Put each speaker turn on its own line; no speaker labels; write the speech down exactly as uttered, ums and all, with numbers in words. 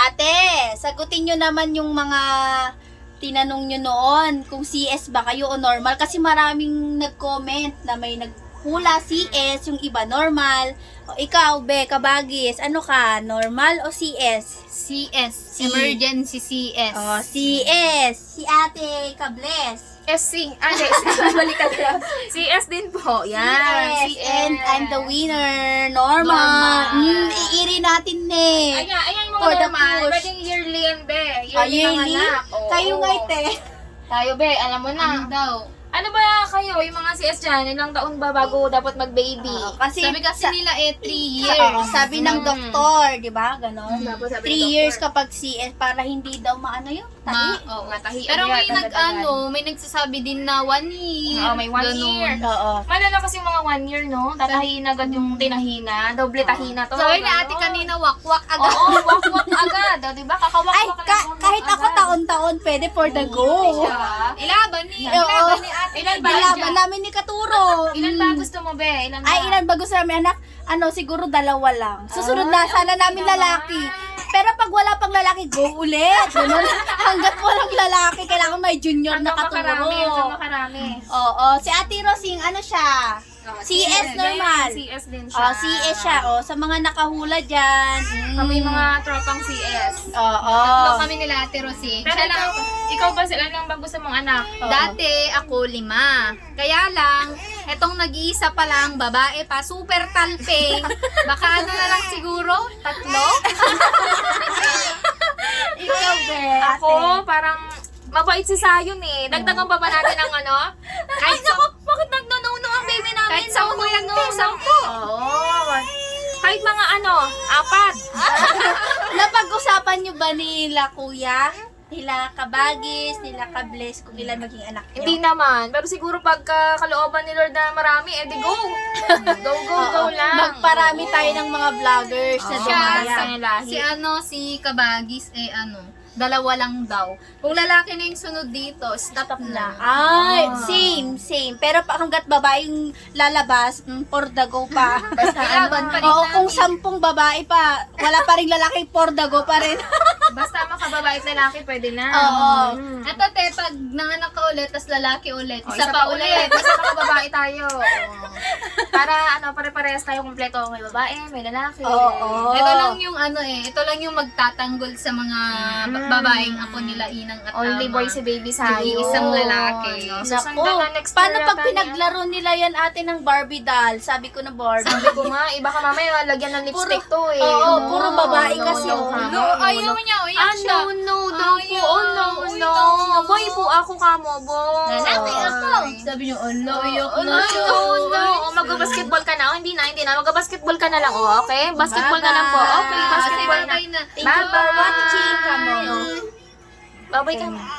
Ate, sagutin nyo naman yung mga tinanong nyo noon kung C S ba kayo o normal. Kasi maraming nag-comment na may naghula C S, yung iba normal. O ikaw, Be, Kabagis, ano ka? Normal o C S?
C S.
C.
Emergency C S.
O, C S. Si Ate Kables.
S C. Ah, hindi. Balik ka lang. C S din po. Yan.
C S. And I'm the winner. Normal.
Normal.
Mm, iiri natin eh.
Ayan, ayan yung
For
mga
the
normal.
push.
Pwedeng yearly yan, be.
Ah,
Yearly, ng
yearly?
anak. Oo.
Kayo nga ite.
Tayo, be. Alam mo na.
Ano daw?
Ano ba kayo, yung mga C S dyan, ilang taon ba bago dapat mag-baby?
Oo, kasi
Sabi kasi
sa-
nila eh, three
Sa-
years.
oo, sabi ng
Mm.
doktor, di ba? Ganon.
Tapos sabi ng
Three
doktor,
years kapag C S para hindi daw maano yun.
Ma,
Tahi.
oo.
Matahi
Pero
agad,
may nag
agad-agad.
ano, may nagsasabi din na one year.
Oo, may one
Ganun.
year.
Oo.
Malala kasi yung mga one year, no? Tatahin agad yung tinahina. Doble tahina to.
Sabi na
Ganon.
ate kanina, wak-wak agad.
Oo, wak-wak agad. O, diba? Kakawak-wak
Ay,
lang
ka-
ng
kahit ako
agad.
taon-taon, pwede for the go.
Siya.
Ilaban ni,
Oo.
ilaban ni ate.
Ilan ba
Nilaban
dyan?
namin ni Katuro.
Ilan
Mm.
ba gusto mo, be? Ilan ba?
Ay, ilan ba gusto namin, anak? Ano, siguro dalawa lang. Susunod na,
Ay,
sana
okay
namin
naman.
lalaki. Pero pag wala pang lalaki, go ulit. Ganun. Hanggat walang lalaki, kailangan may junior na
Hanggang makarami, hanggang
Katuro.
makarami.
Oo, si Ate Rosing, ano siya? C S normal.
C S din siya.
Oh, C S siya. Oh, sa mga nakahula dyan. Mm.
Kami mga tropang C S.
Oo.
Tatlo kami nila ate Rosing.
Pero
Siya lang,
ikaw, ikaw ba sila lang ba gusto mong anak?
Oo.
dati ako lima. Kaya lang, etong nag-iisa pa lang, babae pa, super talping. Baka ano na lang siguro, tatlo?
Ikaw, be.
Ako, parang mabait si Sayon eh. Dagdagan pa ba natin ang ano? Kahit sa...
Bakit nagnununo ang baby namin?
Kahit sampu yan,
no,
te, sampu. Oo. Kahit mga ano, apat.
Napag-usapan nyo ba nila, kuya? Nila Kabagis, nila Kables, kung ilan maging anak nyo?
Hindi naman. Pero siguro pagka kalooban ni Lord na marami, edi go. Go, go, go
Oo.
lang.
Magparami tayo ng mga vloggers na
Oo.
Siya,
dumaya.
Sa lahi.
si ano, si Kabagis, eh ano, dalawa lang daw. Kung lalaki na yung sunod dito, stop na.
Ay,
Ah.
same, same. Pero pa hanggat babae yung lalabas, mm, for the go pa. Basta
Ilaban pa rin
Oo,
namin.
kung sampung babae pa, wala pa rin lalaki, for the go pa rin.
Basta makababait lalaki, pwede na.
Oo.
Mm.
Eto te, pag nanganak ka ulit, tas lalaki ulit,
O,
isa, pa ulit.
Basta makababae tayo. Oo. Para ano, pare-parehas tayo kumpleto. May babae, may lalaki.
Oo.
Ito lang yung ano eh, ito lang yung magtatanggol sa mga ba-
Mm.
babaeng ako nila Inang at
Only
Ama.
boy si baby sa'yo.
Yung isang lalaki.
No,
Naku,
susundan na next
paano
year
pag
yata
pinaglaro nila yan ate ng Barbie doll? Sabi ko na Barbie.
Sabi ko nga, iba ka mamaya, lagyan ng lipstick to eh.
Oo,
No,
puro babae
no,
kasi,
no,
oh.
no,
No,
no,
ayaw
no.
niya, uyak
Ah,
siya.
no, no, daw po.
Ayaw,
Oh, no,
uy,
no.
no.
Boy po, ako ka mo, boy.
Lalaki ako. Sabi niyo, ano, uyak
Oh, no,
na siya.
no, no. Oh, mag-basketball ka na. Oh, hindi na, hindi na. Mag-basketball ka na lang. Oh, okay? Basketball na lang po. Okay,
Bye-bye.
basketball na.
Bye-bye na.
Thank you for watching, Kamo.
Bye-bye ka.